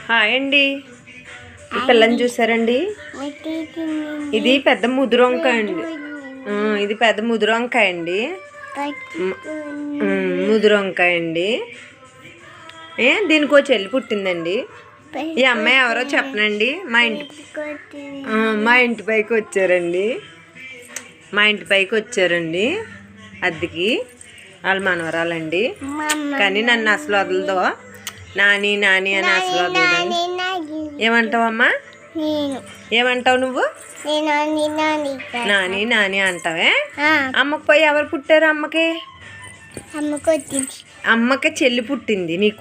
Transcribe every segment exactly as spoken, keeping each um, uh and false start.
Hi అండి. ఈ పిల్లని చూసారండి? ఇది పెద్ద ముదురు వంకాయ అండి. ఇది పెద్ద ముదురు వంకాయ అండి. ముదురు వంకాయ అండి. ఏ దీనికో చెల్లి పుట్టిందండి. ఈ అమ్మాయి ఎవరో చెప్పనండి. మా ఇంటి మా ఇంటి పైకి వచ్చారండి. మా ఇంటి పైకి వచ్చారండి అద్దెకి. వాళ్ళ మనవరాలండి. కానీ నన్ను అసలు వదలదో. నాని నాని అని అసలు వదలదండి. ఏమంటావమ్మా? ఏమంటావు నువ్వు? నాని నాని అంటావే. అమ్మకి పోయి ఎవరు పుట్టారు? అమ్మకి అమ్మకి చెల్లి పుట్టింది. నీకు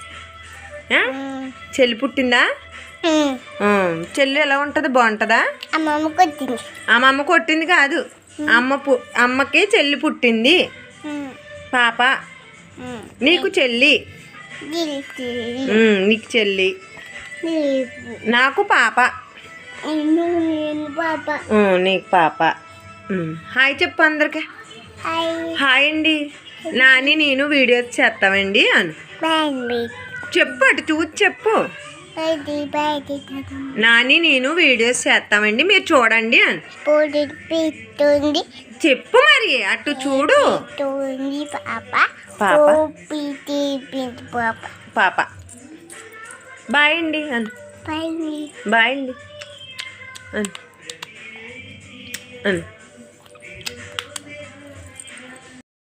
చెల్లి పుట్టిందా? చెల్లి ఎలా ఉంటుంది? బాగుంటుందా? అమ్మమ్మ కొట్టింది కాదు, అమ్మ పు అమ్మకి చెల్లి పుట్టింది. పాప నీకు చెల్లి. నీకు చెల్లి, నాకు పాప. నీకు పాప. హాయ్ చెప్పు అందరికి. హాయ్ అండి. నాని నేను వీడియోస్ చేస్తామండి అను చెప్పు. అటు చూసి చెప్పు. నాని నేను వీడియోస్ చేస్తామండి, మీరు చూడండి అని చెప్పు. మరి అటు చూడు. పాప బాయ్ అండి అను. బాయ్ అండి అను.